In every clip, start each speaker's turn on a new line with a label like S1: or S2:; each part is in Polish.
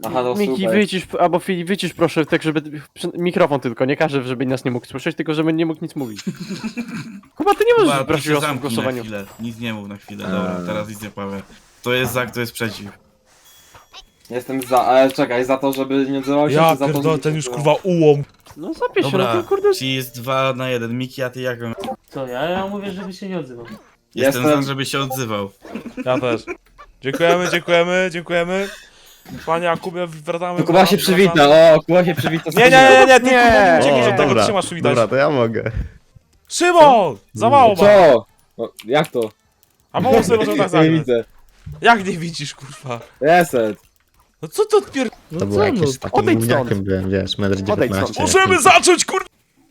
S1: Aha, no
S2: Miki,
S1: super.
S2: wycisz, albo Filip, wycisz proszę, tak żeby... Mikrofon tylko, nie każę, żeby nas nie mógł słyszeć, tylko żeby nie mógł nic mówić. Kuba, ty nie możesz
S3: Chyba
S2: brać
S3: się
S2: głosu w
S3: zamknij na
S2: głosowaniu.
S3: chwilę. Nic nie mów na chwilę, dobra, teraz nic nie powiem. To jest za, kto jest przeciw.
S1: Jestem za, ale czekaj, za to, żeby nie odzywał się,
S4: Ja
S1: czy za to,
S4: pierdolę,
S1: żeby
S4: ten
S1: się
S4: już
S1: odzywał?
S4: kurwa ułom.
S2: No zapisz się,
S3: Dobra,
S2: no to kurde...
S3: czyli jest 2 na 1. Miki, a ty jak?
S5: Co, ja mówię, żeby się nie odzywał.
S3: Jestem
S1: Jestem-
S3: za, żeby się odzywał.
S4: Ja też. Dziękujemy, dziękujemy, dziękujemy. Panie Jakubie, wracamy.
S1: To Kuba się
S4: wracamy.
S1: przywita, o, Kuba się przywita. z
S4: Nie, nie,
S1: Kubą.
S4: nie, nie, ty
S2: Nie.
S4: kurwa, ucieknij
S2: O,
S4: od tego,
S6: dobra,
S4: ty się masz przywitać.
S6: Dobra, to ja mogę.
S4: Szymon! Za mało ma.
S1: Co? O, jak to?
S4: A mało sobie możemy tak
S1: Nie
S4: zagrać.
S1: widzę.
S4: Jak nie widzisz, kurwa?
S1: Reset.
S4: No co ty odpier...
S6: To było jakieś takim
S2: odejdź stąd.
S6: gówniakiem byłem, wiesz, metr
S2: Odejdź
S6: 19.
S2: stąd.
S4: Możemy zacząć, kurwa!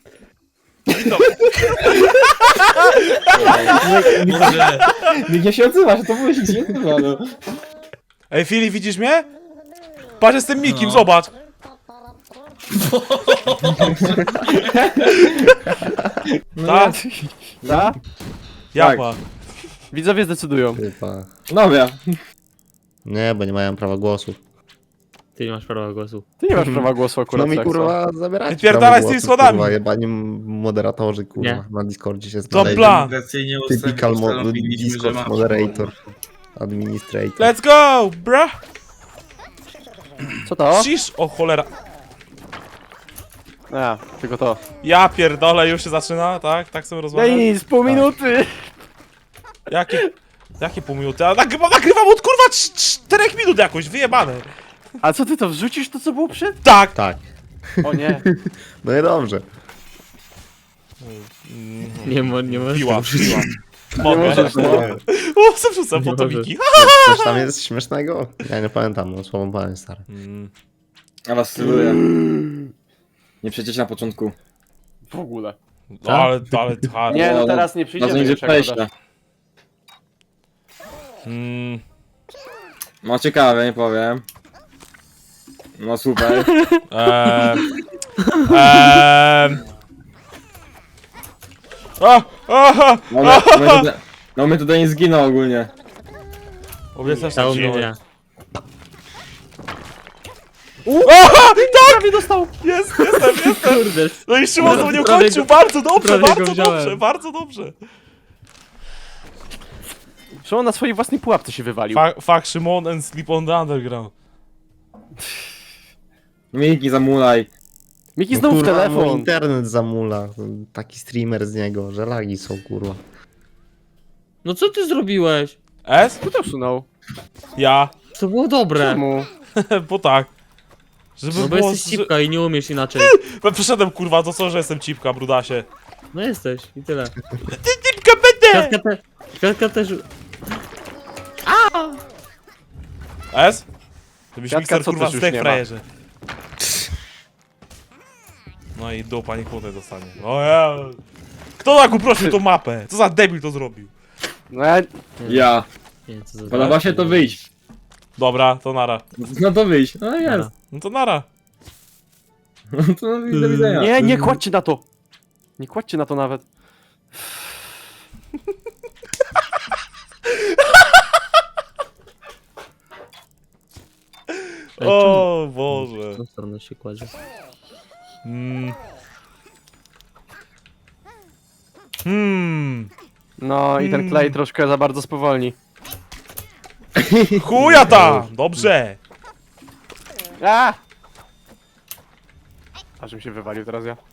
S3: Boże,
S1: Nikt nie się odzywa, że to było się dziwne, no.
S4: Ej, Filip, widzisz mnie? Patrz, jestem Mikim,
S3: No.
S4: zobacz. Tak?
S2: Da?
S4: Jak
S1: Tak.
S4: ma?
S2: Widzowie zdecydują.
S6: Chyba.
S1: Dobra.
S6: Nie, bo nie mają prawa głosu.
S5: Ty nie masz prawa głosu.
S2: Ty nie masz prawa głosu akurat.
S6: No mi
S2: Saxo.
S6: kurwa zabieracie
S4: Wypierdalaj
S6: prawo
S4: z tymi
S6: głosu,
S4: schodami.
S6: Kurwa, jebani moderatorzy, kurwa,
S5: Nie.
S6: na Discordzie się
S4: To
S6: znaleźli.
S4: plan.
S3: demokracyjnie
S6: Typical
S3: ustanowiliśmy, że
S6: Discord
S3: masz
S6: moderator. Administrator.
S4: Let's go, bra!
S2: Co to?
S4: Cisz, o cholera.
S2: A, tylko to.
S4: Ja pierdolę, już się zaczyna, tak? Tak sobie
S2: No
S4: rozmawiam.
S2: i nic, pół minuty!
S4: Jakie pół minuty? A nagrywam od kurwa 4 minut jakoś, wyjebane.
S2: A co ty to wrzucisz to co było przed?
S4: Tak!
S6: Tak.
S2: O nie.
S6: No i dobrze.
S5: Nie możesz.
S4: Piła.
S2: Nie
S4: Mogę.
S2: możesz, no.
S4: O, zawrzucam
S5: Nie
S4: fotomiki.
S6: Coś tam jest śmiesznego? Ja nie pamiętam, no słową pamięć stary.
S1: Ja was styluję. Nie przejdziecie na początku.
S2: W ogóle.
S4: Ale hard.
S2: Nie, no
S1: No,
S2: teraz nie
S1: Na to
S2: przyjdziemy
S1: nie idzie
S2: już jak
S1: przejścia.
S2: dodasz.
S1: No ciekawe, nie powiem. No super.
S4: Aha!
S1: No my tutaj nie zginął ogólnie.
S4: Obiecasz
S5: Stało mnie nie.
S4: Aha!
S2: Prawie dostał!
S4: Jestem!
S5: Kurde.
S4: No i Szymon to nie
S5: Prawie
S4: kończył,
S5: go-
S4: bardzo dobrze,
S5: prawie go
S4: bardzo
S5: wziąłem.
S4: dobrze, bardzo dobrze.
S2: Szymon na swojej własnej pułapce się wywalił.
S4: Fuck Szymon and sleep on the underground.
S1: Miki, zamulaj.
S2: Miki
S6: No,
S2: znów
S6: kurwa,
S2: telefon.
S6: mój internet zamula. Taki streamer z niego, że lagi są kurwa.
S5: No co ty zrobiłeś?
S4: S?
S2: Kto to usunął?
S4: Ja.
S5: To było dobre.
S2: Czemu?
S4: Bo tak. Żeby
S5: No bo
S4: było...
S5: jesteś cipka i nie umiesz inaczej.
S4: Przeszedłem kurwa, to co, że jestem cipka, brudasie.
S5: No jesteś i tyle.
S4: Cipka będę!
S5: Katka też...
S4: S? Żebyś
S2: Kwiatka,
S4: mikser
S2: co
S4: kurwa
S2: też już
S4: zdech
S2: nie ma.
S4: frajerze. No i dupa nie kłótę dostanie. O ja... Kto tak uprościł tą mapę? Co za debil to zrobił?
S2: No ja...
S1: Ja.
S5: Nie, co za...
S1: Podoba się to wyjść.
S4: Dobra, to nara.
S1: No to wyjść. No jest.
S5: Dobra.
S4: No to nara.
S1: No to do widzenia.
S2: Nie, nie kładźcie na to! Nie kładźcie na to nawet.
S5: Ej,
S4: O Boże.
S5: W tą stronę się kładzie.
S2: No i ten klej troszkę za bardzo spowolni.
S4: Chuja ta! Dobrze!
S2: A! Ażbym się wywalił teraz ja.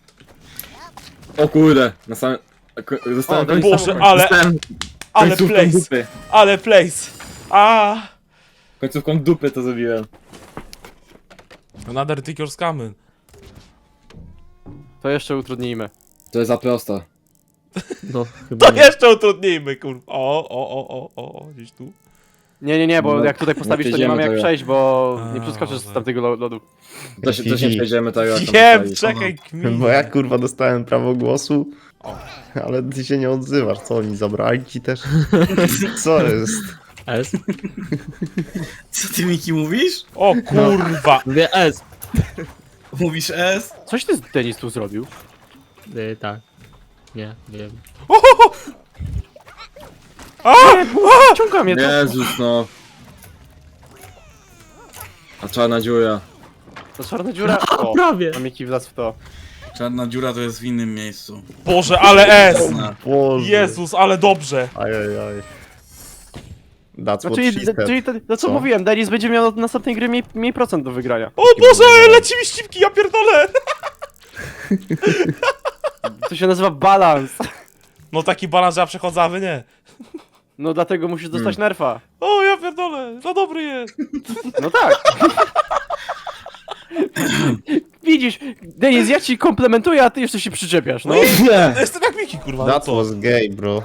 S1: O kurde. Na samym... Zostałem
S2: O,
S4: Boże, ale
S1: końcówką
S4: place!
S1: dupy.
S4: Ale place! A!
S1: Końcówką dupy to zrobiłem.
S4: Another take your scammy.
S2: To jeszcze utrudnijmy.
S1: To jest za prosto.
S5: No, chyba
S4: To
S5: nie.
S4: jeszcze utrudnijmy, kurwa. O, gdzieś tu.
S2: Nie, bo
S1: No,
S2: jak tutaj postawisz, to nie
S1: przejdziemy
S2: mamy jak
S1: tego.
S2: przejść, bo
S4: A,
S2: nie przeskoczysz z
S4: dobra.
S2: tamtego lodu.
S1: Też nie przejdziemy tego. jak tam
S4: Wiem,
S1: postawić.
S4: czekaj, kmin.
S6: Bo ja kurwa dostałem prawo głosu, ale ty się nie odzywasz. Co oni zabrali ci też? Co jest?
S5: S?
S3: Co ty Miki mówisz?
S4: O kurwa!
S5: Mówię S.
S3: Mówisz S?
S2: Coś ty Denis tu zrobił?
S5: Tak. Nie, wiem.
S2: Ciąga mnie to.
S1: Jezus no. A czarna dziura.
S2: To czarna dziura. O,
S5: Prawie!
S2: mam jaki wlazł w to.
S3: Czarna dziura to jest w innym miejscu.
S4: Boże, ale S!
S6: Boże.
S4: Jezus, ale dobrze.
S6: Ajajaj. That's
S2: No,
S6: what
S2: czyli,
S6: she said.
S2: czyli to, co
S6: Co?
S2: mówiłem, Denis będzie miał od następnej gry mniej procent do wygrania.
S4: O Boże, leci mi ścipki, ja pierdolę!
S2: To się nazywa balans.
S4: No taki balans, że ja przechodzę, a wy nie.
S2: No dlatego musisz dostać nerfa.
S4: O, ja pierdolę, za dobry jest.
S2: No tak. Widzisz, Denis, ja ci komplementuję, a ty jeszcze się przyczepiasz, no.
S1: Nie!
S4: Jestem jak Miki, kurwa, no
S6: That
S4: co?
S6: was gay, bro.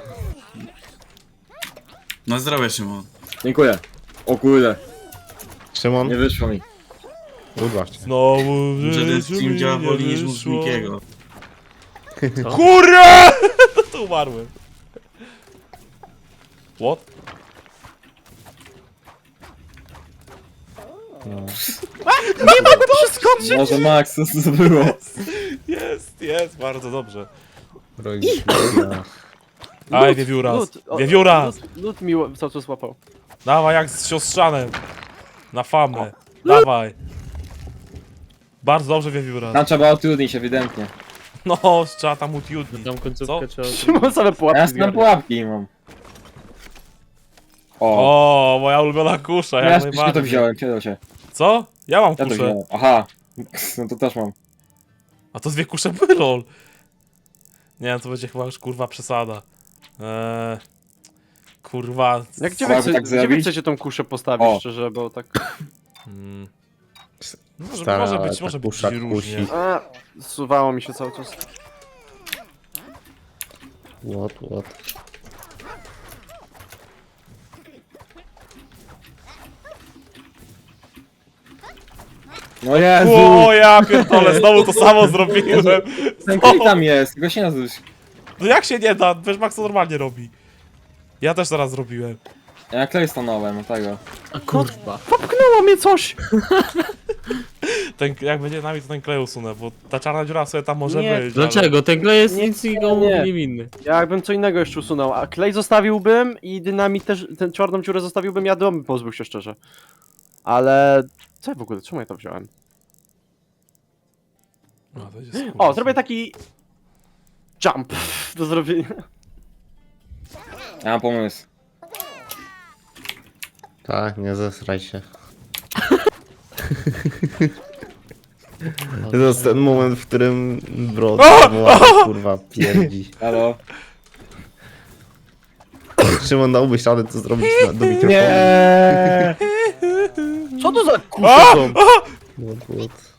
S3: No zdrowie, Szymon.
S1: Dziękuję. O kurde,
S6: Szymon,
S1: nie wyszło mi.
S6: urwa cię.
S4: Znowu w
S3: Że ten
S4: życiu
S3: stream
S4: mi
S3: działa
S4: nie
S3: wolniej niż mózg
S4: wyszło.
S3: Mikiego.
S4: Kurwa! To umarłem. What?
S1: Może Max, co to było?
S4: Jest, bardzo dobrze.
S6: Rogi.
S4: Aj, wiewióra.
S2: Lud,
S4: Wiewióra!
S2: Lud mi cały czas łapał.
S4: Dawaj, jak z siostrzanem. Na famę. Dawaj. Bardzo dobrze, wiewióra.
S1: Tam trzeba utrudnić ewidentnie.
S4: No, trzeba tam utiudnić.
S5: Tam końcówkę trzeba...
S2: Szymon same
S1: A
S2: pułapki
S1: ja tam
S2: zgarnia.
S1: pułapki mam. O,
S4: O, moja ulubiona kusza,
S1: ja
S4: jak
S1: też to
S4: najbardziej.
S1: wziąłem, kiedy się.
S4: Co? Ja mam
S1: Ja to
S4: kuszę.
S1: wziąłem. Aha. No to też mam.
S4: A to dwie kusze były, lol. Nie wiem, to będzie chyba już kurwa przesada. Kurwa.
S2: Jak gdzie
S1: Trzeba
S2: wy,
S1: tak
S2: gdzie wy
S1: zrobić?
S2: chcecie tą kuszę postawić,
S1: O.
S2: szczerze, bo tak...
S4: Mm.
S6: Stara,
S4: Może
S6: ta
S4: być
S6: kusza
S4: różnie.
S6: kusi.
S2: A, zsuwało mi się cały czas.
S6: What?
S1: No Jezu!
S4: O, ja pierdolę, znowu to samo zrobiłem.
S1: Ten klej tam jest, tylko się nazywa.
S4: No jak się nie da? Wiesz, Max to normalnie robi. Ja też zaraz zrobiłem.
S1: Ja klej stanąłem, tego.
S5: A kurwa.
S2: Popchnęło mnie coś!
S4: Ten, jak będzie nami, to ten klej usunę, bo ta czarna dziura sobie tam może
S2: Nie.
S4: być.
S5: Dlaczego? Ten klej jest
S2: Nie,
S5: nic nikomu
S2: nie.
S5: niewinny.
S2: Ja jakbym co innego jeszcze usunął, a klej zostawiłbym i dynamit też, tę czarną dziurę zostawiłbym, ja domy pozbył się szczerze. Ale... Co ja w ogóle, czemu ja to wziąłem?
S4: Ale... A, to jest, kurwa,
S2: O, zrobię taki... Jump do zrobienia.
S1: Ja mam pomysł.
S6: Tak, nie zesraj się. To jest ten moment, w którym Brod kurwa pierdzi.
S1: Halo?
S6: Szymon, dałbyś radę to zrobić do mikrofonu.
S1: Nie!
S2: Co to za
S4: A!
S2: kusze są?
S6: What?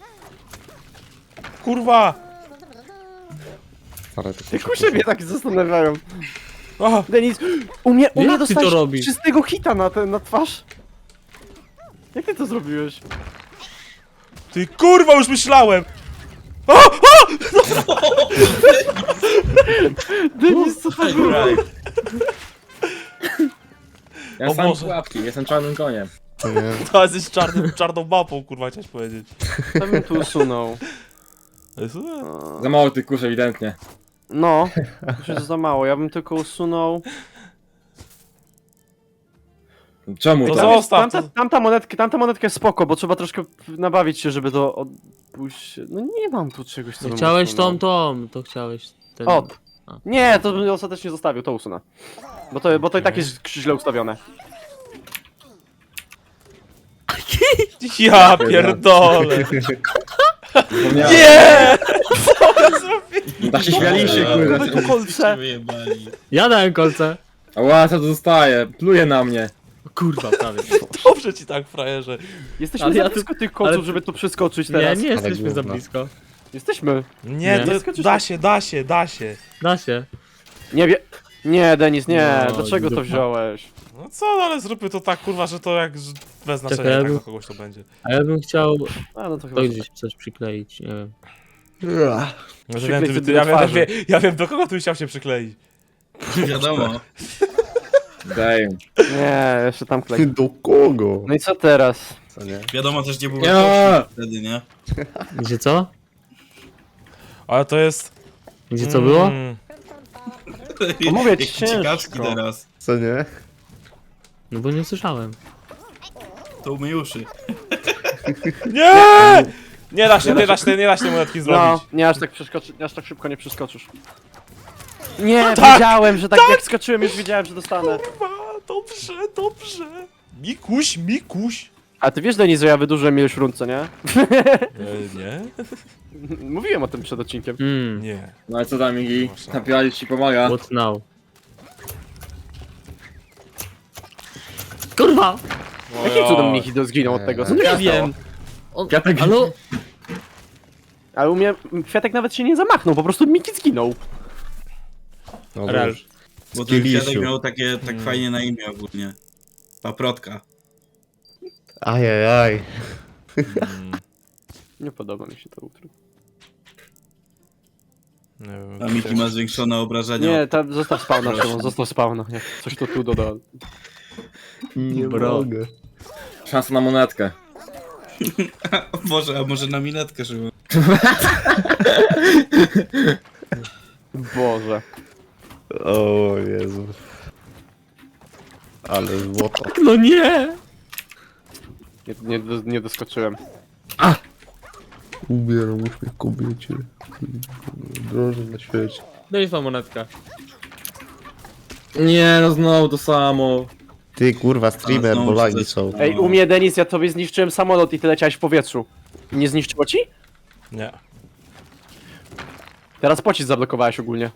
S4: Kurwa!
S6: Stare, to
S2: Te kusze mnie tak zastanawiają.
S4: A!
S2: Denis, u mnie
S5: Jak ty to
S2: dostałeś
S5: robisz?
S2: czystego hita na twarz. Jak ty to zrobiłeś?
S4: Ty kurwa, już myślałem!
S2: Denis, co to było?
S1: Ja
S4: O
S1: sam
S4: Boże.
S1: pułapki, jestem czarnym koniem.
S6: To nie.
S4: To jesteś czarną mapą, kurwa, chciałeś powiedzieć.
S2: Co bym tu usunął?
S1: Za mało tych kusz ewidentnie.
S2: No, to jest za mało, ja bym tylko usunął...
S1: Czemu
S4: To
S1: tak?
S4: zostaw.
S2: Tamta monetka jest spoko, bo trzeba troszkę nabawić się, żeby to odpuść... No nie mam tu czegoś, co bym
S5: Chciałeś
S2: usunął.
S5: to chciałeś ten...
S2: O!
S5: A.
S2: Nie, to bym ostatecznie zostawił, to usunę. Bo to i tak jest źle ustawione.
S4: Ja pierdolę!
S1: Zapomniałem.
S4: Nie!
S1: No tak się śmialiście,
S2: Mamy
S1: kurde.
S2: tu kolce.
S3: Wyjebali.
S5: Ja dałem kolce.
S1: Ła, co to zostaje? Pluje na mnie.
S5: O kurwa, prawie.
S4: Dobrze ci tak, frajerze.
S2: Jesteśmy
S5: Ale
S2: za
S5: ja
S2: blisko tych kolców,
S5: ale-
S2: żeby tu przeskoczyć
S5: Nie,
S2: teraz.
S5: nie jesteśmy za
S6: gówno.
S5: blisko.
S2: Jesteśmy.
S4: Nie,
S5: Nie.
S4: to da się, da się, da się.
S5: Da się.
S2: Nie wie... Nie, Denis, nie.
S5: No,
S2: Dlaczego to
S5: dupa.
S2: wziąłeś?
S4: No co, no ale zróbmy to tak, kurwa, że to jak bez znaczenia,
S5: Czekaj, ja
S4: tak
S5: bym-
S4: do kogoś to będzie.
S5: A ja bym chciał
S2: A, no to chyba...
S5: to gdzieś coś przykleić, nie wiem.
S4: Może
S2: Przyklej
S4: wiem,
S2: sobie
S4: ja,
S2: do
S4: wiem,
S2: twarzy.
S4: ja wiem, do kogo tu chciał się przykleić.
S3: Wiadomo.
S1: Damn.
S2: Nie, jeszcze tam klej.
S6: Do kogo?
S2: No i co teraz?
S6: Co nie?
S3: Wiadomo też, gdzie było
S1: Ja.
S3: wartości wtedy, nie?
S5: Gdzie co?
S4: Ale to jest...
S5: Gdzie co było?
S2: No mówię ci,
S3: Jakie ciekawski
S2: ciężko.
S3: teraz.
S6: Co nie?
S5: No bo nie słyszałem.
S3: To umyj uszy.
S4: Nie! Nie da się tej monetki
S2: No,
S4: zrobić.
S2: nie aż tak przeskoczy, nie aż tak szybko nie przeskoczysz. Nie,
S4: Tak!
S2: wiedziałem, że tak jak skoczyłem, już wiedziałem, że dostanę.
S4: Kurwa, dobrze. Mikuś.
S2: A ty wiesz, Denis, że ja wydłużyłem ilość rund, co nie?
S4: Nie?
S2: Mówiłem o tym przed odcinkiem.
S4: Nie.
S1: No i co tam, Migi? Napiłali ci pomaga.
S5: What now? Kurwa!
S2: Jakim cudem Miki zginął od tego? Co tu
S5: Nie
S2: się
S5: wiem.
S2: stało?
S5: On,
S1: Kwiatek-
S5: ale...
S2: Ale u mnie Kwiatek nawet się nie zamachnął, po prostu Miki zginął.
S6: No
S5: Real.
S6: dobrze.
S3: Bo ten
S6: Skillisiu.
S3: kwiatek miał takie, tak fajnie na imię ogólnie. Paprotka.
S6: Ajajaj.
S2: Nie podoba mi się to utro.
S4: Nie wiem.
S3: A Miki ma zwiększone obrażenia.
S2: Nie, zostaw spawna, Szymon, zostaw spawna. Jak coś to tu doda.
S6: Nie
S5: Bro.
S6: mogę.
S1: Szansa na monetkę.
S3: A może na minetkę, żeby...
S2: Boże.
S6: O Jezu. Ale złoto.
S5: No nie!
S2: Nie doskoczyłem.
S6: Ubieram uśmiech kobiecie. Drożę na świecie.
S5: Daj wam monetkę.
S1: Nie, no znowu to samo.
S6: Ty kurwa streamer,
S3: znowu
S6: bo lagi
S3: się
S6: są.
S2: Ej, u mnie, Denis, ja tobie zniszczyłem samolot i ty leciałeś w powietrzu. Nie zniszczyło ci?
S4: Nie.
S2: Teraz pocisk zablokowałeś ogólnie.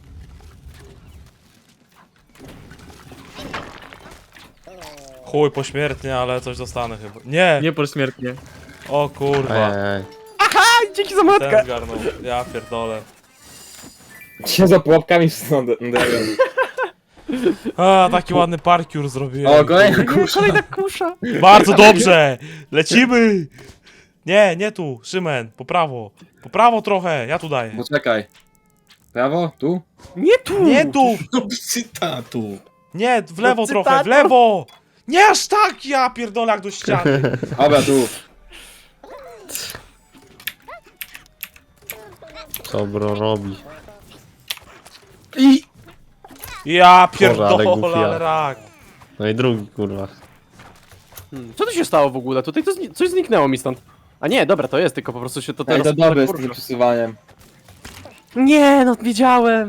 S4: Chuj, pośmiertnie, ale coś dostanę chyba. Nie!
S5: Nie pośmiertnie.
S4: O kurwa.
S6: Ajajaj.
S2: A, dzięki za monetkę!
S4: Ten zgarnął. Ja pierdolę.
S1: Się za pułapkami wsądę.
S4: A, taki ładny parkour zrobiłem.
S1: O, kolejna
S2: Nie,
S1: kusza.
S2: kolejna kusza.
S4: Bardzo dobrze! Lecimy! Nie tu, Szymen, po prawo. Po prawo trochę, ja tu daję.
S1: Poczekaj. Prawo? Tu?
S2: Nie tu!
S4: Nie tu!
S3: No cytatu.
S4: Nie, w lewo
S2: No,
S4: trochę, w
S2: cytator.
S4: lewo! Nie aż tak, ja pierdolę jak do ściany.
S1: Dobra, tu.
S6: Co bro robi?
S4: Ja
S6: Boże, ale
S4: pierdolę,
S6: głupia.
S4: ale rak.
S6: No i drugi kurwa.
S2: Co tu się stało w ogóle? Tutaj to coś zniknęło mi stąd. A nie, dobra, to jest, tylko po prostu się to
S1: Ej,
S2: teraz...
S1: to dobre z
S2: porusza.
S1: tym przesuwaniem.
S2: Nie, no wiedziałem.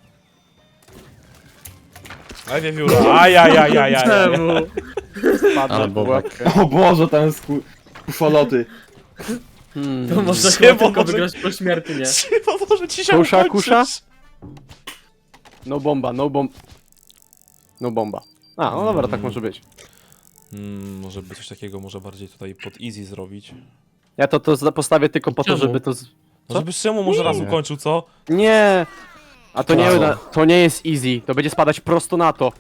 S4: Aj, wiewióra. Ajajajajaj.
S5: Czemu?
S2: Spadłem
S6: Ale
S2: w
S6: bobek.
S2: pułapkę.
S1: O Boże, tam jest kuszoloty.
S5: To można
S4: Szymon
S5: chyba tylko
S4: może-
S5: wygrać pośmiertnie.
S4: Chyba może ci się
S2: Kusza,
S4: ukończyć.
S2: kusza? No bomba, no bomb... No bomba. A, no dobra, tak może być.
S4: Może by coś takiego może bardziej tutaj pod easy zrobić.
S2: Ja to postawię tylko po to,
S5: Czemu?
S2: żeby to... Co?
S4: Żeby Szymon może raz ukończył, co?
S2: Nie! A to nie,
S6: Brawo.
S2: to nie jest easy, to będzie spadać prosto na to.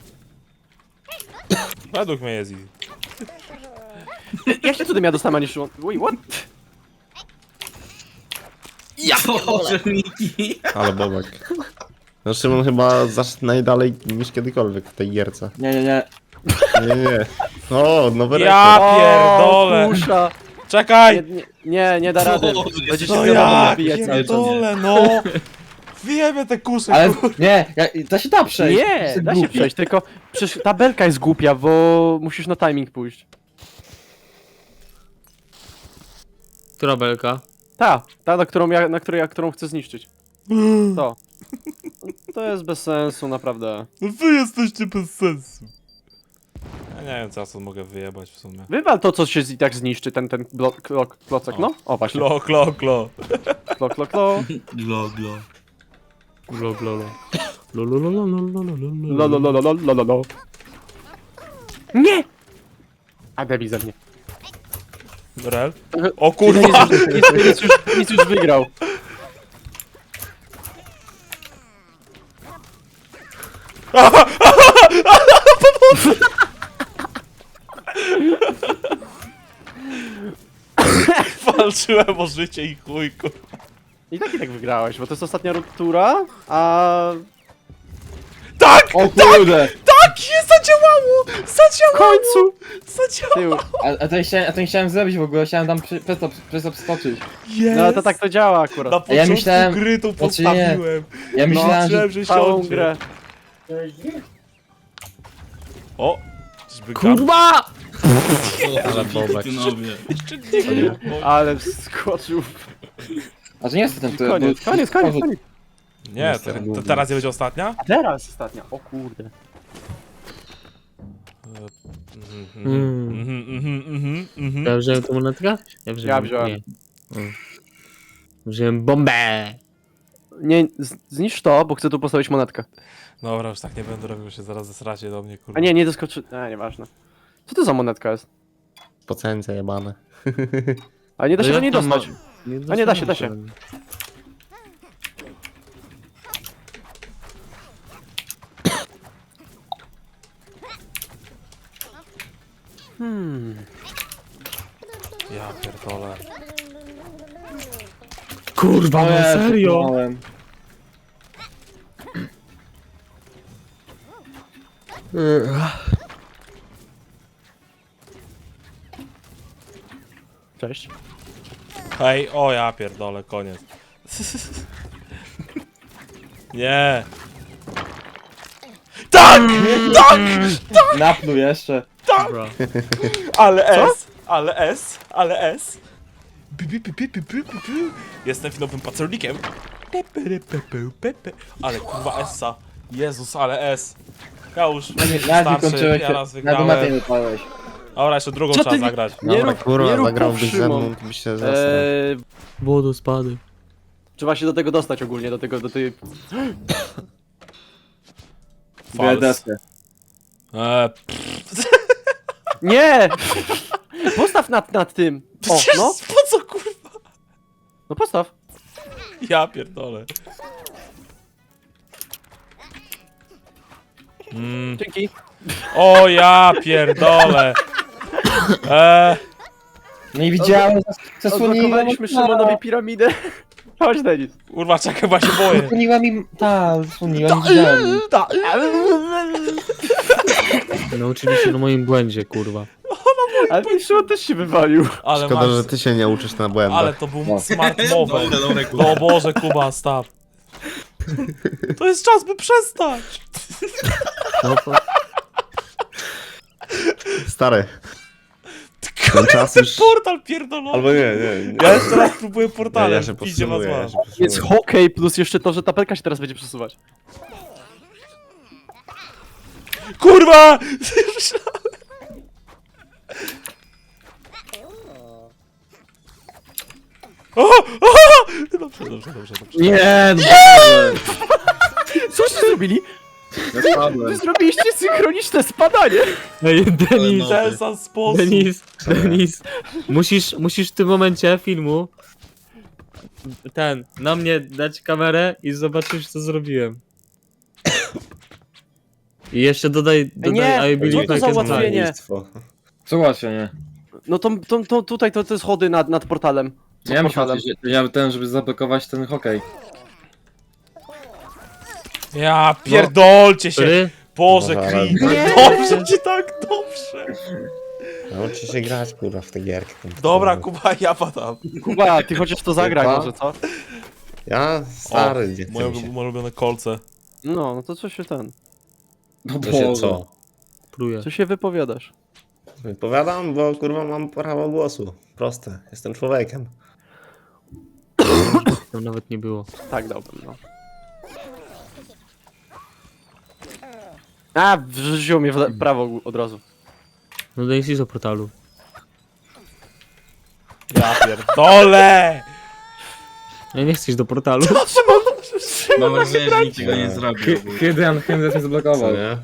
S4: Według mnie jest easy.
S2: Jak się cudem ja dostanę, a nie Szymon? Wait, what?
S3: Boże, Miki.
S6: Ale bobek. No Szymon chyba zaszedł najdalej niż kiedykolwiek w tej gierce.
S1: Nie.
S6: Nie. O, nowy
S4: Ja
S6: rekord.
S4: pierdolę.
S2: O, kusza!
S4: Czekaj!
S2: Nie da rady.
S3: Boże,
S2: Będzie się
S4: No
S2: wiadomo
S4: ja
S2: nabijać cały czas.
S4: pierdolę, no! Wiemy te kusze,
S1: Ale
S4: kurwa.
S1: nie, to się da przejść.
S2: Nie,
S1: Jestem
S2: da się
S1: głupi.
S2: przejść, tylko przecież ta belka jest głupia, bo musisz na timing pójść.
S5: Która belka?
S2: Ta, którą chcę zniszczyć. To. To jest bez sensu, naprawdę.
S4: No wy jesteście bez sensu. Ja nie wiem, co ja sobie mogę wyjebać w sumie.
S2: Wywal to, co się i tak zniszczy, ten klocek, no? O, właśnie.
S4: Klo.
S2: Klo.
S3: Glo, glo.
S5: Glo, glo, lo. Lo, lo, lo, lo, lo, lo, lo, lo,
S2: Lo,
S5: lo.
S2: lo, lo, lo, lo, lo, lo. Nie! A debil ze mnie.
S4: Rel? O kurwa!
S2: Nic już wygrał.
S4: Walczyłem o życie i chuj, kurwa.
S2: I tak wygrałeś, bo to jest ostatnia tura, a...
S4: Tak!
S1: O kurde!
S4: Tak! Jest, zadziałało!
S2: W
S4: Zadziałało!
S2: końcu!
S4: Zadziałało!
S2: Tył.
S1: A to nie chciałem zrobić w ogóle, chciałem tam przez to przeskoczyć.
S4: Jest!
S2: No to tak to działa akurat.
S4: Na początku
S1: myślałem-
S4: gry to
S1: znaczy nie.
S4: postawiłem.
S1: Ja myślałem, że...
S4: Myślałem, że
S2: Całą
S4: siądzie.
S2: grę.
S4: O! Czyżby
S5: Kurwa!
S3: Ale
S6: bobek.
S4: Jeszcze nie było.
S2: Ale wskoczył.
S1: A to nie jest ten...
S2: Koniec, koniec, koniec, koniec.
S4: Nie, to teraz nie będzie ostatnia?
S2: A teraz ostatnia. O kurde.
S5: Ja wziąłem tą monetkę?
S2: Ja wziąłem.
S5: Nie. Wziąłem bombę!
S2: Nie, zniszcz to, bo chcę tu postawić monetkę.
S4: Dobra, już tak nie będę robił, się zaraz zesracie do mnie, kurwa.
S2: A nie, nie doskoczy... nieważne. Co to za monetka jest?
S6: Pocence jebane.
S2: Ale nie da się do niej
S5: jak tam
S2: dostać. A nie, da się, da się.
S4: Ja pierdolę.
S5: Kurwa, no serio?
S1: Miałem.
S2: Cześć.
S4: Hej, o ja pierdolę, koniec. Nie. Tak! Tak!
S1: Napnął jeszcze.
S5: Dobra.
S4: Ale S, ale S, ale S. Jestem finowym pacernikiem. Ale kurwa Essa. Jezus, ale S. Ja już
S1: Nawet
S4: starszy,
S1: kończyłeś
S4: ja raz
S1: się. Na domacie
S4: wygrałem.
S1: nie wypadłeś.
S4: Dobra, jeszcze drugą
S2: Co
S4: trzeba
S2: ty-
S4: zagrać.
S2: Nie
S6: Dobra,
S2: rób- nie
S6: kurwa,
S2: rób
S6: zagrałbyś ze
S2: Szymon.
S6: mną, to byś się zasnął.
S5: Wodospady.
S2: Trzeba się do tego dostać ogólnie, do tej...
S4: Fals.
S1: Deskę.
S2: Nie! Postaw nad tym! O, no,
S4: Po co kurwa?
S2: no postaw.
S4: Ja pierdolę.
S2: Dzięki.
S4: O ja pierdolę.
S1: Nie widziałem, zasłoniła
S2: Odblokowaliśmy Szymonowi piramidę. Chodź, Denis.
S4: Kurwa, czekaj, bo ja się boję.
S1: Zasłoniła mi... zasłoniła, nie widziałem.
S5: Nauczyli się na moim błędzie, kurwa.
S2: Ale ten Szymon też się wywalił.
S4: Ale
S6: Szkoda,
S4: masz...
S6: że ty się nie uczysz na błędach.
S4: Ale to był
S1: No.
S4: smart move.
S3: Dobre,
S4: O Boże, Kuba, stop. To jest czas, by przestać.
S5: No to...
S6: Stary. Ten czas już...
S4: Portal pierdolony.
S6: Albo nie.
S4: Ja jeszcze raz próbuję portalem.
S6: Ja się
S4: Idzie was
S6: powstrzymuję,
S4: was.
S2: Jest hokej plus jeszcze to, że tapelka się teraz będzie przesuwać.
S4: Kurwa! O! Dobrze.
S5: Nie, no.
S2: Coście zrobili? Wy zrobiliście synchroniczne spadanie.
S5: Ej, Denis,
S3: No.
S4: Ten sam sposób.
S5: Denis, musisz w tym momencie filmu na mnie dać kamerę i zobaczysz, co zrobiłem. I jeszcze dodaj
S2: Nie,
S5: I believe
S2: co to
S5: I
S2: za
S5: can
S2: ułatwienie?
S5: fly.
S1: Co ułatwienie?
S2: No to tutaj to jest schody nad portalem.
S1: Nie mam
S2: portalem.
S1: ten, żeby zablokować ten hokej.
S4: Ja pierdolcie się.
S5: Który?
S4: Boże,
S6: Dobra,
S4: Creep.
S2: Nie.
S4: Dobrze ci tak, dobrze.
S6: Nauczy się grać, kurwa, w tę gierkę.
S4: Dobra, Kuba, ja padam.
S2: Kuba, ty chociaż to zagraj
S6: Kuba?
S2: może, co?
S6: Ja stary, nie
S4: Moje
S6: chcę mi się.
S4: ulubione kolce.
S2: No to co się ten...
S1: No
S6: To się co?
S5: Pluję.
S2: Co się wypowiadasz?
S6: Wypowiadam, bo kurwa mam prawo głosu. Proste, jestem człowiekiem.
S5: Tam nawet nie było.
S2: Tak, dobra, no. A, wrzuciło mnie w prawo od razu.
S5: No Denis jest o portalu.
S4: Ja pierdolę.
S5: Ja nie chcę iść do portalu.
S3: Mam wrażenie, że nikt tego nie zrobił.
S1: Hydran się
S6: Co
S1: zablokował.
S6: nie?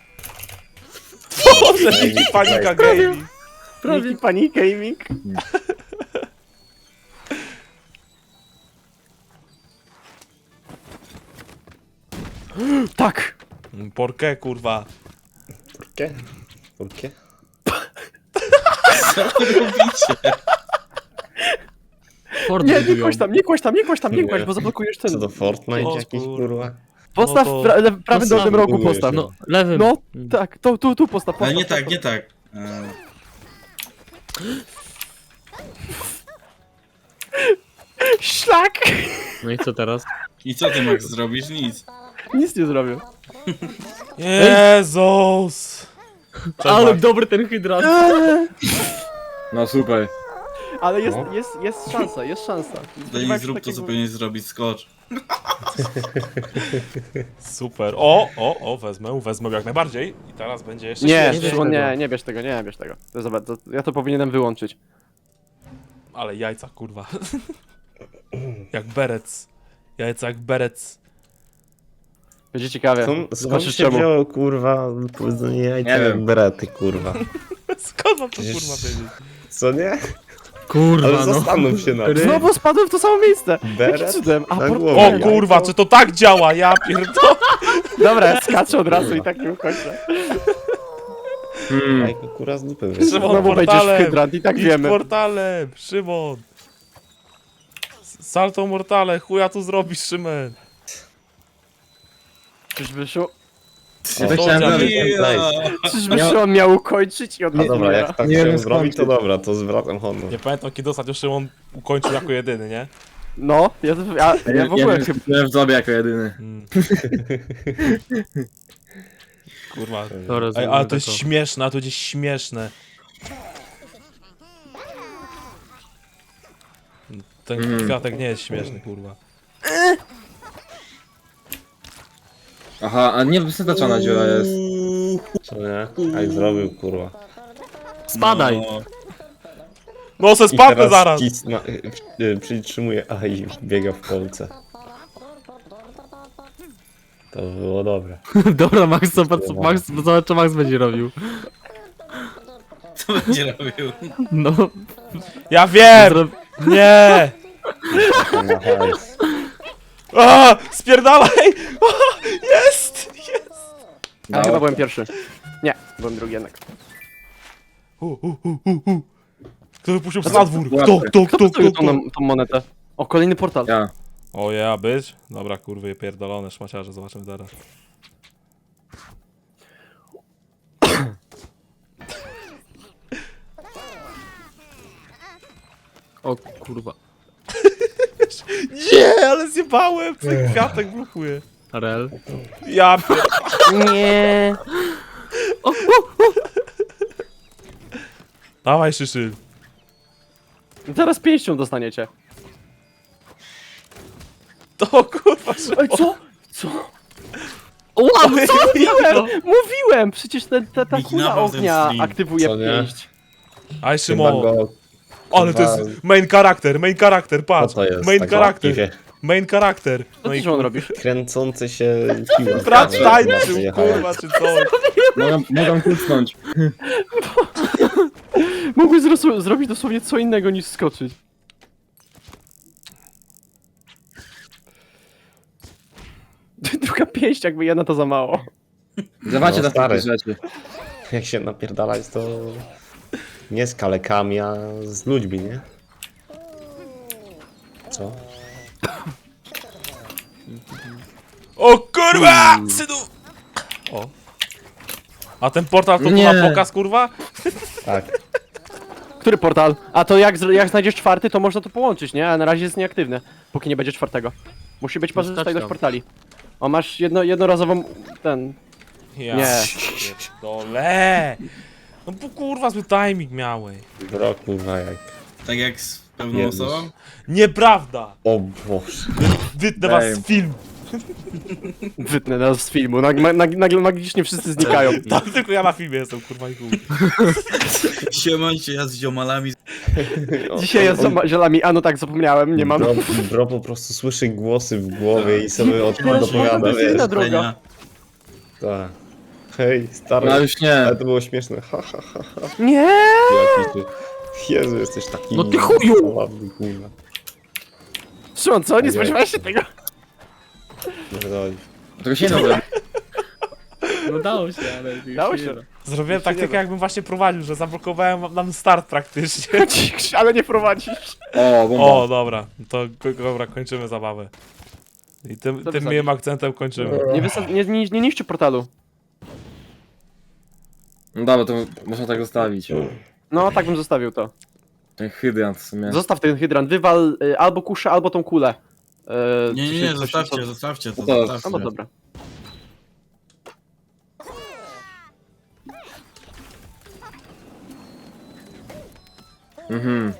S4: Boże, jaki panika gaming.
S2: Prawie Panic Gaming. Tak!
S4: ¿Por qué, kurwa?
S6: ¿Por qué? ¿Por qué?
S3: Co wy robicie?
S5: Ford
S2: Nie, nie
S5: budują.
S2: kłaś tam, nie kłaś tam, nie kłaś tam, nie kłaś,
S6: Nie.
S2: bo zablokujesz
S6: Co
S2: ten.
S6: to Fortnite
S4: O,
S6: jakiś,
S4: kurwa.
S6: kurwa?
S2: Postaw
S4: No to-
S2: w prawym dolnym rogu,
S6: budujesz,
S2: postaw.
S6: no.
S5: No, lewym.
S2: No, tak, tu postaw,
S3: Ale
S2: postaw.
S3: nie tak, nie tak.
S2: Szlak!
S5: No i co teraz?
S3: I co ty, Max, zrobisz? Nic.
S2: Nic nie zrobił.
S4: Jezus.
S5: Ale dobry ten hydrant.
S1: No super.
S2: Ale jest szansa, jest szansa.
S3: Daj
S2: Spodziewałem
S3: mi
S2: się
S3: zrób to, co
S2: takiego-
S3: powinieneś zrobić, skocz.
S4: Super. Wezmę jak najbardziej. I teraz będzie jeszcze
S2: Nie,
S4: śmieszniej.
S2: Szymon, nie bierz tego, nie bierz tego. Ja to powinienem wyłączyć.
S4: Ale jajca, kurwa. Jak berec. Jajca jak berec.
S2: Będzie ciekawie.
S6: Skąd
S2: Zobaczysz
S6: się
S2: czemu.
S6: wzięło, kurwa, powiedzenie jajca
S1: Nie
S6: jak
S1: wiem.
S6: berety, kurwa.
S4: Skąd mam to
S6: Przecież-
S4: kurwa wiedzieć?
S6: Co nie?
S5: Kurwa,
S6: Ale
S5: no.
S6: zastanów się na tym.
S2: Znowu spadłem w to samo miejsce. Jakim
S6: Beret?
S2: cudem? A,
S6: Na
S2: por...
S6: głowę.
S4: O kurwa, czy to tak działa? Ja pierdolę.
S2: Dobra, ja skaczę od razu i tak nie ukończę.
S6: Jajko, kurwa, z dupy wyszło.
S4: Szymon,
S2: Znowu wejdziesz w
S4: portalem.
S2: hydrant i tak
S4: Idź
S2: wiemy.
S4: portalem, Szymon. Salto mortale, chuja tu zrobisz, Szymon.
S2: Czyżby Szymon,
S1: Ja to chciałem
S4: Sądzia,
S1: zrobić.
S2: czyżby Szymon miał ukończyć i on
S6: No
S2: nie
S6: dobra,
S2: umiera?
S6: jak tak
S1: Nie
S6: chciałem
S1: wiem,
S6: zrobić, to
S1: skąd.
S6: dobra, to zwracam honor.
S4: Nie pamiętam kiedy ostatnio Szymon ukończył jako jedyny, nie?
S2: No, ja w ogóle chyba...
S1: Ja w sobie jako jedyny.
S4: Mm. Kurwa.
S5: Dobra,
S4: Ej,
S5: zrobimy
S4: ale to jest
S5: tako.
S4: śmieszne, a to gdzieś śmieszne. Ten kwiatek nie jest śmieszny, kurwa.
S1: Aha, a nie wystarczona dziura jest.
S6: Co nie? Jak zrobił, kurwa.
S5: Spadaj!
S3: No,
S4: No se
S6: I
S4: spadnę
S6: teraz
S4: zaraz!
S6: przytrzymuje A i biega w kolce. To było dobre.
S5: Dobra, Max, zobacz co Max będzie robił.
S3: co będzie robił?
S5: No,
S4: Ja wiem!
S5: zro...
S4: Nie!
S6: Na hajs.
S4: A, spierdalaj! A, jest! Jest!
S2: Ja chyba byłem pierwszy. Nie, byłem drugi jednak.
S4: Kto wypuścił psa na dwór? Kto?
S2: Kto postawił tą monetę? O, kolejny portal.
S1: Ja.
S4: O ja, być? Dobra, kurwy, pierdolone szmaciarze, zobaczymy teraz.
S5: O kurwa.
S4: Nie, ale zjebałem! Ten kwiatek blokuje.
S5: Rel.
S4: Ja pier...
S2: Nie.
S4: Dawaj, Szyszy.
S2: Zaraz pięścią dostaniecie.
S4: To kurwa, Szymon.
S2: Ej, co? Co?
S5: O, co?
S2: Mówiłem! Przecież ta
S3: Miki,
S2: kula
S3: nawał ten
S2: ognia
S3: stream.
S2: aktywuje
S6: Co nie?
S2: pięść.
S4: Aj,
S6: Chyba
S4: Szymon.
S6: go...
S4: Ale to jest main charakter,
S6: Co
S4: patrz.
S6: to jest?
S4: Main
S6: tak
S4: charakter,
S6: łapiwie?
S4: main charakter.
S2: Co
S4: No
S2: ty,
S4: i
S2: Szymon, robisz?
S6: Kręcący się piła.
S4: brat tańczył,
S6: Wyjechałem.
S4: kurwa, czy coś.
S1: Mogą kucnąć.
S2: Mógłbyś zrobić dosłownie co innego niż skoczyć. Druga pięść, jakby jedna to za mało.
S1: Zobaczcie
S6: No,
S1: na
S6: stary.
S1: takie rzeczy.
S6: Jak się napierdalać, to nie z kalekami, a z ludźmi, nie? Co?
S4: O kurwa, synu! O. A ten portal to
S1: Nie.
S4: na pokaz, kurwa?
S6: Tak.
S2: Który portal? A to jak znajdziesz czwarty, to można to połączyć, nie? A na razie jest nieaktywne, póki nie będzie czwartego. Musi być pozostałość ilość
S5: tam.
S2: portali. O, masz jednorazową...
S4: Ja
S2: Nie.
S4: pierdolę. No bo kurwa, zły timing miałeś.
S6: Bro, kurwa, jak...
S3: Tak jak z pewną
S6: Jezus.
S3: osobą?
S4: Nieprawda!
S6: O Boże.
S4: Wytnę was z film.
S2: Wytnę nas z filmu, nagle magicznie wszyscy znikają.
S4: Tam tylko ja na filmie jestem, kurwa i chuj.
S3: Siemańcie, ja z ziomalami.
S2: Dzisiaj jest z zielami, a no tak, zapomniałem, nie mam.
S6: Bro po prostu słyszy głosy w głowie i sobie o tym
S2: Może
S6: dopowiada,
S2: to jest
S6: wiesz.
S2: inna droga.
S6: Tak. Hej, stary.
S1: No już nie.
S6: Ale to było śmieszne. Ha, ha, ha, ha.
S2: Nie!
S6: Jaki ty... Jezu, jesteś taki...
S5: No ty chuju!
S6: Ładny, kurwa.
S2: Szymon, co? Nie
S6: Nie.
S2: spodziewałeś się tego?
S6: Pierdoli.
S1: Tego się nie robi.
S5: No dało się, ale...
S2: Dało się.
S4: Zrobiłem taktykę, jakbym właśnie prowadził, że zablokowałem nam start praktycznie.
S2: Ale nie prowadzisz.
S1: O, bomba.
S4: O, dobra, to dobra, kończymy zabawę. I tym
S2: wysadzisz?
S4: miłym akcentem kończymy.
S2: Nie niszczy portalu.
S1: No dobra, to można tak zostawić.
S2: No, tak bym zostawił to.
S1: Ten hydrant w sumie.
S2: Zostaw ten hydrant, wywal albo kuszę, albo tą kulę.
S3: Nie, zostawcie to,
S1: To-
S2: No
S3: zostawcie.
S2: bo dobra.
S1: Mhm.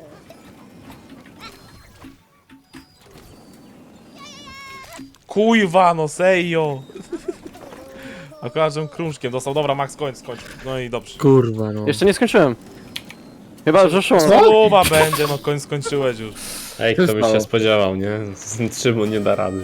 S4: Kujwa, no sejo. Akurat, żem krążkiem dostał. Dobra, Max, kończ. No i dobrze.
S5: Kurwa, no.
S2: Jeszcze nie skończyłem. Chyba, że szło.
S4: Chyba będzie, no kończ skończyłeś już.
S6: Ej, kto by
S1: Stało.
S6: się spodziewał, nie? Szymon nie da rady.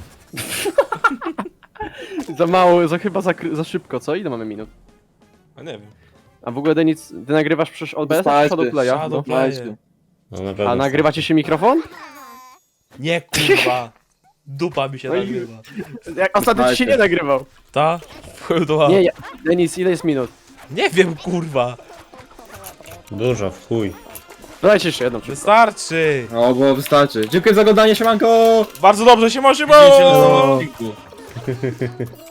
S2: Za mało, chyba za szybko, co? Ile mamy minut?
S4: A nie wiem.
S2: A w ogóle, Denis, ty nagrywasz przez OBS czy
S1: Wystarczy.
S2: Shadowplaya? No.
S4: Shadowplay.
S6: No na pewno.
S2: A nagrywa ci się mikrofon?
S4: Nie, kurwa. Dupa mi się
S2: Oj.
S4: nagrywa.
S2: Jak ostatnio ci się nie nagrywał.
S4: Ta? Wchodzę do
S2: Nie, Denis, ile jest minut?
S4: Nie wiem, kurwa.
S6: Dużo, w chuj.
S2: Dajcie jeszcze jedną.
S4: Wystarczy.
S1: O, bo wystarczy. Dziękuję za oglądanie, siemanko!
S4: Bardzo dobrze się może,
S3: Widzimy się na nowym odcinku.